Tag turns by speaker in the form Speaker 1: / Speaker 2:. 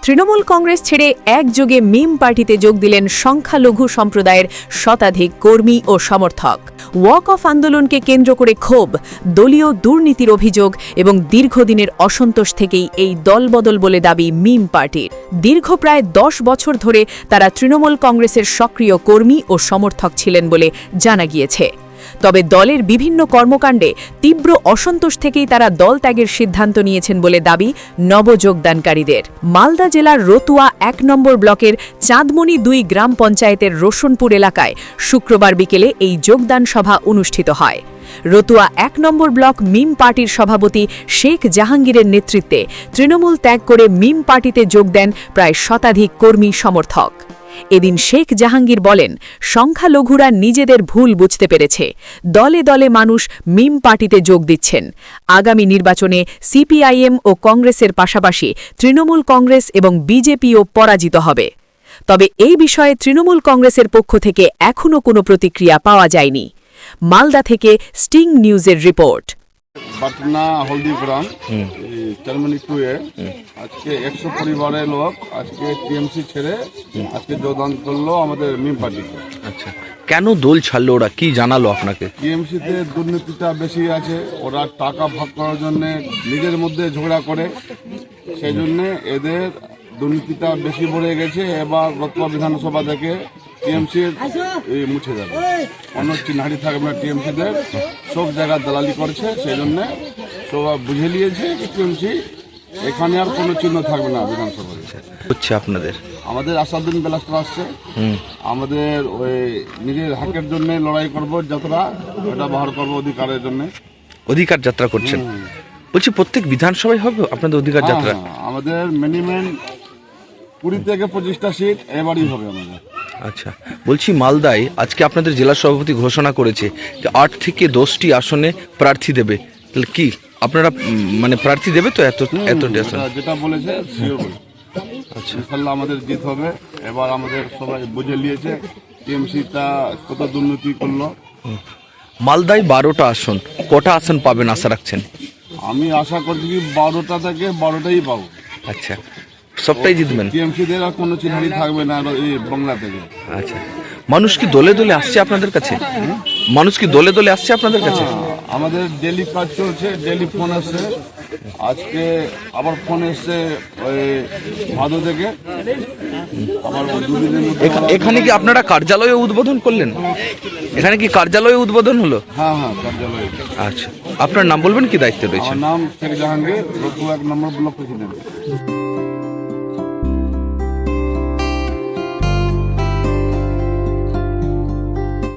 Speaker 1: তৃণমূল কংগ্রেস ছেড়ে একযোগে মিম পার্টিতে যোগ দিলেন সংখ্যালঘু সম্প্রদায়ের শতাধিক কর্মী ও সমর্থক। ওয়াক অফ আন্দোলনকে কেন্দ্র করে ক্ষোভ, দলীয় দুর্নীতির অভিযোগ এবং দীর্ঘদিনের অসন্তোষ থেকেই এই দলবদল বলে দাবি মিম পার্টির। দীর্ঘ প্রায় 10 বছর ধরে তারা তৃণমূল কংগ্রেসের সক্রিয় কর্মী ও সমর্থক ছিলেন বলে জানা গিয়েছে। তবে দলের বিভিন্ন কর্মকাণ্ডে তীব্র অসন্তোষ থেকেই তারা দল ত্যাগের সিদ্ধান্ত নিয়েছেন বলে দাবি নবযোগদানকারীদের। মালদা জেলার রতুয়া 1 নম্বর ব্লকের চাঁদমণি 2 গ্রাম পঞ্চায়েতের রোশনপুর এলাকায় শুক্রবার বিকেলে এই যোগদান সভা অনুষ্ঠিত হয়। রতুয়া 1 নম্বর ব্লক মিম পার্টির সভাপতি শেখ জাহাঙ্গীরের নেতৃত্বে তৃণমূল ত্যাগ করে মিম পার্টিতে যোগ দেন প্রায় শতাধিক কর্মী সমর্থক। এদিন শেখ জাহাঙ্গীর বলেন, সংখ্যালঘুরা নিজেদের ভুল বুঝতে পেরেছে। দলে দলে মানুষ মিম পার্টিতে যোগ দিচ্ছেন। আগামী নির্বাচনে সিপিআইএম ও কংগ্রেসের পাশাপাশি তৃণমূল কংগ্রেস এবং বিজেপিও পরাজিত হবে। তবে এই বিষয়ে তৃণমূল কংগ্রেসের পক্ষ থেকে এখনও কোনো প্রতিক্রিয়া পাওয়া যায়নি। মালদা থেকে স্টিং নিউজের রিপোর্ট।
Speaker 2: পাটনা হলদিগ্রাম চাঁদমণি 2 এ আজকে 100 পরিবারের লোক আজকে টিএমসি ছেড়ে আজকে যোগদান করলো আমাদের মিম পার্টিতে।
Speaker 3: আচ্ছা, কেন দল ছাড়লো ওরা, কি জানালো আপনাকে?
Speaker 2: টিএমসিতে দুর্নীতিটা বেশি আছে, ওরা টাকা ভাগ করার জন্য নিজের মধ্যে ঝগড়া করে, সেই জন্য এদের দুর্নীতিটা বেশি বেড়ে গেছে। এবার রতুয়া বিধানসভা থেকে টিএমসির মুছে যাবে, অন্য চিহ্নাটি থাকবে না। টিএমসিদের সব জায়গায় দালালি করছে, সেই জন্য সবাই বুঝে নিয়েছে যে টিএমসি এখানে আর কোনো চিহ্ন থাকবে না বিধানসভায়।
Speaker 3: হচ্ছে আপনাদের
Speaker 2: আমাদের আসাদুদ্দিন বেলাস্টার আসছে, আমাদের ওই নিজের হাকের জন্য লড়াই করবো, যতটা ওটা বাহার করবো অধিকারের জন্য।
Speaker 3: অধিকার যাত্রা করছেন বলছি, প্রত্যেক বিধানসভায় হবে আপনাদের অধিকার যাত্রা?
Speaker 2: আমাদের মিনিমাম 20 থেকে 25টা সিট এবারই হবে আমাদের।
Speaker 3: আচ্ছা, বলছি মালদায় আজকে আপনাদের জেলা সভাপতি ঘোষণা করেছে যে 8 থেকে 10টি আসনে প্রার্থী দেবে। তাহলে কি আপনারা মানে প্রার্থী দেবে তো? এত
Speaker 2: যেটা বলেছে শিওর বলে। আচ্ছা, ইনশাআল্লাহ আমাদের জিত হবে। এবার আমাদের সবাই বুঝে নিয়েছে টিএমসিটা কত দুর্নীতি করলো।
Speaker 3: মালদায় 12টা আসন, কটা আসন পাবেন আশা রাখছেন?
Speaker 2: আমি আশা করছি কি 12টা থেকে 12টাই পাবো।
Speaker 3: আচ্ছা, সবটাই জিতবেন?
Speaker 2: টিএমসিদের আর কোনো চিহ্নই থাকবে না এই বাংলা থেকে।
Speaker 3: আচ্ছা, মানুষ কি দলে দলে আসছে আপনাদের কাছে? মানুষ কি দলে দলে আসছে আপনাদের কাছে?
Speaker 2: আমাদের ডেলি কাজ চলছে, ডেলি ফোন আসছে। আজকে আবার ফোন এসছে ওই ভাদো থেকে। আবার
Speaker 3: এখানে কি আপনারা কার্যালয়ে উদ্বোধন করলেন? এখানে কি কার্যালয়ে উদ্বোধন হলো?
Speaker 2: হ্যাঁ, কার্যালয়ে।
Speaker 3: আচ্ছা, আপনার নাম বলবেন, কি দায়িত্ব রয়েছে?
Speaker 2: আমার নাম Sheikh Jahangir, Ratua 1 number block president.